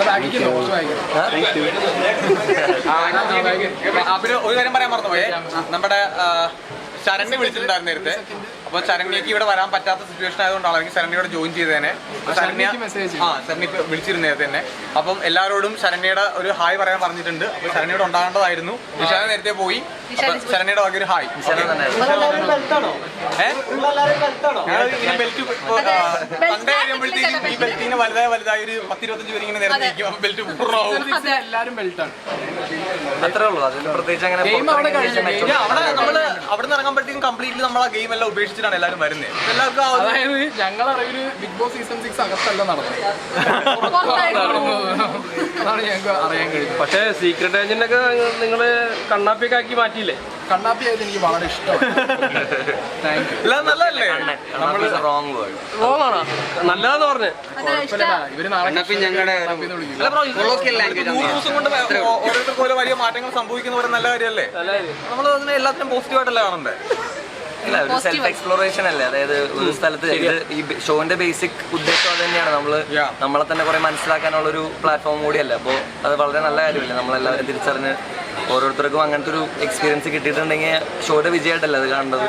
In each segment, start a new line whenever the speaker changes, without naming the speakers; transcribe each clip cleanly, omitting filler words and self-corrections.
പിന്നെ ഒരു കാര്യം പറയാൻ മറന്നുപോയേ, നമ്മുടെ ശരണ്യ വിളിച്ചിട്ടുണ്ടായിരുന്നു നേരത്തെ. അപ്പോൾ ശരണ്യക്ക് ഇവിടെ വരാൻ പറ്റാത്ത സിറ്റുവേഷൻ ആയതുകൊണ്ടാണ് എനിക്ക് ശരണ്യയോട് ജോയിൻ ചെയ്തേനെ. ശരണ്യ വിളിച്ചിരുന്നു നേരത്തെ തന്നെ. അപ്പം എല്ലാവരോടും ശരണ്യയുടെ ഒരു ഹായ് പറയാൻ പറഞ്ഞിട്ടുണ്ട്. അപ്പോൾ ശരണ്യയോട് ഉണ്ടാകേണ്ടതായിരുന്നു. വിശാല നേരത്തെ പോയി. ശരണ്യയുടെ വക ഒരു ഹായ്. ഇങ്ങനെ ബെൽറ്റ് കണ്ടു കഴിയുമ്പോഴത്തേക്കും ഈ ബെൽറ്റിന് വലുതായി ഒരു 10-25 പേര് ഇങ്ങനെ നേരത്തെ നിൽക്കും. ബെൽറ്റ് പൂർണ്ണമാവും. എല്ലാവരും ബെൽറ്റാണ്. അത്രേ ഉള്ളൂ. അതിൽ പ്രത്യേകിച്ച് അങ്ങനെ നമ്മള് അവിടെ നിന്ന് ഇറങ്ങുമ്പോഴത്തേക്കും കംപ്ലീറ്റ്ലി നമ്മൾ ആ ഗെയിം എല്ലാം ഉപേക്ഷിച്ചിട്ടാണ് എല്ലാവരും വരുന്നത്. എല്ലാവർക്കും അതായത് ഞങ്ങളുടെ അറിവില് ബിഗ് ബോസ് സീസൺ 6 അകത്തല്ല നടന്നത്. അതാണ് ഞങ്ങൾക്ക് അറിയാൻ കഴിയും. പക്ഷേ സീക്രട്ട് ഏജന്റ് ഒക്കെ നിങ്ങള് കണ്ണാപ്പിയൊക്കെ ആക്കി മാറ്റിയില്ലേ? കണ്ണാപ്പി ആയത് എനിക്ക് വളരെ ഇഷ്ടമാണ്. നല്ലതല്ലേ? നല്ലതാന്ന് പറഞ്ഞ് ഇവര് ഞങ്ങളുടെ ഓരോരുത്തർക്കും ഓരോ വലിയ മാറ്റങ്ങൾ സംഭവിക്കുന്ന നല്ല കാര്യമല്ലേ? നമ്മൾ അതിനെ എല്ലാത്തിനും പോസിറ്റീവായിട്ടല്ലേ കാണണ്ടേ?
അല്ല, ഒരു സെൽഫ് എക്സ്പ്ലോറേഷൻ അല്ലേ. അതായത് ഒരു സ്ഥലത്ത് ഈ ഷോന്റെ ബേസിക് ഉദ്ദേശം അത് തന്നെയാണ്. നമ്മളെ തന്നെ കുറെ മനസ്സിലാക്കാനുള്ള ഒരു പ്ലാറ്റ്ഫോം കൂടിയല്ലേ. അപ്പോൾ അത് വളരെ നല്ല കാര്യമല്ലേ. നമ്മളെല്ലാവരും തിരിച്ചറിഞ്ഞ് ഓരോരുത്തർക്കും അങ്ങനത്തെ ഒരു എക്സ്പീരിയൻസ് കിട്ടിയിട്ടുണ്ടെങ്കിൽ ഷോയുടെ വിജയമായിട്ടല്ലേ അത് കാണേണ്ടത്.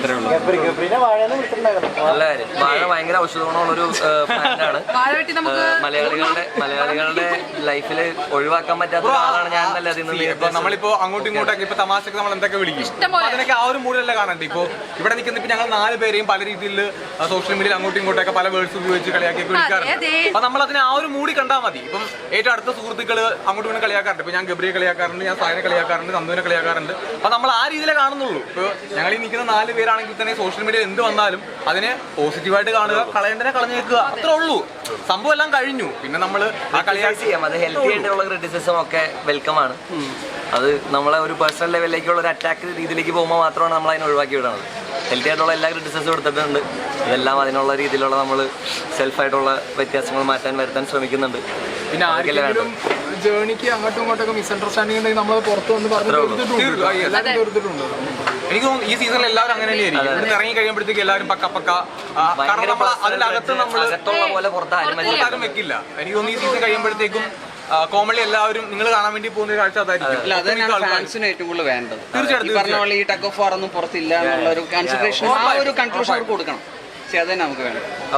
നല്ല കാര്യം. വാഴ ഭയങ്കര ഔഷധഗുണമുള്ളൊരു പ്ലാന്റാണ്. മലയാളികളുടെ ലൈഫിൽ ഒഴിവാക്കാൻ പറ്റാത്ത ആളാണ് ഞാൻ. നല്ല
നമ്മളിപ്പോ അങ്ങോട്ടും ഇങ്ങോട്ടൊക്കെ ഇപ്പൊ തമാശക്ക് നമ്മൾ എന്തൊക്കെ വിളിക്കും, അതിനൊക്കെ ആ ഒരു മൂഡിലല്ലേ കാണണ്ടേ? ഇപ്പൊ ഇവിടെ നിൽക്കുന്ന ഇപ്പൊ ഞങ്ങൾ 4 പേരെയും പല രീതിയിൽ സോഷ്യൽ മീഡിയയിൽ അങ്ങോട്ടും ഇങ്ങോട്ടൊക്കെ പല വേർഡ്സ് ഉപയോഗിച്ച് കളിയാക്കി വിളിക്കാറുണ്ട്. അപ്പൊ നമ്മൾ അതിനെ ആ ഒരു മൂടി കണ്ടാൽ മതി. ഇപ്പം ഏറ്റവും അടുത്ത സുഹൃത്തുക്കൾ അങ്ങോട്ടും ഇങ്ങനെ കളിയാക്കാറുണ്ട്. ഇപ്പൊ ഞാൻ ഗബ്രിയെ കളിയാക്കാറുണ്ട്, ഞാൻ സായനെ കളിയാക്കാറുണ്ട്, നന്ദുവിനെ കളിയാക്കാറുണ്ട്. അപ്പൊ നമ്മൾ ആ രീതിയിലേ കാണുന്നുള്ളൂ. ഇപ്പൊ ഞങ്ങൾ ഈ നിൽക്കുന്ന 4 പേരാണെങ്കിൽ തന്നെ സോഷ്യൽ മീഡിയയിൽ എന്ത് വന്നാലും അതിനെ പോസിറ്റീവായിട്ട് കാണുക, കളയേണ്ടതിനെ കളഞ്ഞേക്കുക, അത്രേ ഉള്ളൂ. സംഭവം എല്ലാം കഴിഞ്ഞു. പിന്നെ നമ്മൾ ആ കളിയാക്കി
ചെയ്യാം. അത് ഹെൽത്തി ആയിട്ടുള്ള ക്രിറ്റിസിസം ഒക്കെ വെൽക്കം ആണ്. അത് നമ്മളെ ഒരു പേഴ്സണൽ ലെവലിലേക്കുള്ള ഒരു അറ്റാക്ക് രീതിയിലേക്ക് പോകുമ്പോൾ മാത്രമാണ് നമ്മൾ അതിനെ ഒഴിവാക്കി വിടുന്നത്. ഹെൽത്തി ആയിട്ടുള്ള എല്ലാ ക്രിറ്റിസിസും എടുത്തിട്ടുണ്ട്. ഇതെല്ലാം അതിനുള്ള രീതിയിലുള്ള നമ്മൾ സെൽഫായിട്ടുള്ള വ്യത്യാസങ്ങൾ വരുത്താൻ ശ്രമിക്കുന്നുണ്ട്.
പിന്നെ ആർക്കെങ്കിലും ജേണിക്ക് അങ്ങോട്ടും ഇങ്ങോട്ടൊക്കെ മിസ്അണ്ടർസ്റ്റാൻഡിംഗ് ഉണ്ടെങ്കിൽ നമ്മൾ പുറത്ത് വന്ന് പറഞ്ഞു തീർത്തിട്ടുണ്ട്. എനിക്ക് തോന്നുന്നു ഈ സീസണിൽ എല്ലാവരും അങ്ങനെ തന്നെയായിരിക്കും. ഇവിടെ ഇറങ്ങി കഴിയുമ്പോഴത്തേക്ക് എല്ലാവരും പക്ക കാരണം നമ്മൾ അതിനകത്ത് നമ്മൾ പുറത്താരും വെക്കില്ല. എനിക്ക് തോന്നുന്നു ഈ സീസൺ കഴിയുമ്പോഴത്തേക്കും കോമഡി എല്ലാവരും നിങ്ങൾ കാണാൻ വേണ്ടി പോകുന്ന കാഴ്ച അതായിരിക്കും.
ഫാൻസിന് ഏറ്റവും കൂടുതൽ വേണ്ടത്. തീർച്ചയായിട്ടും പറഞ്ഞ പോലെ ഈ ടഗ് ഓഫ് വാർ ഒന്നും പുറത്തില്ല എന്നുള്ള ഒരു കൺസിഡറേഷൻ, ആ ഒരു കൺക്ലൂഷൻ അവർക്ക് കൊടുക്കണം. പക്ഷെ അത് തന്നെ നമുക്ക് വേണം.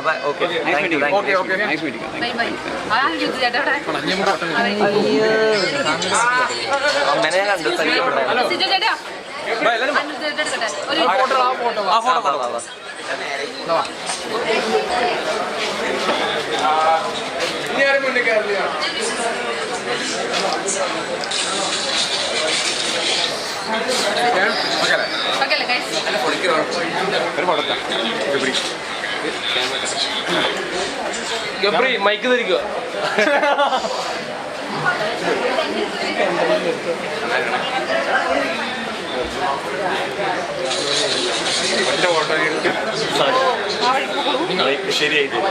ഗബ്രി മൈക്ക് ധരിക്കുക.
ശരിയായി.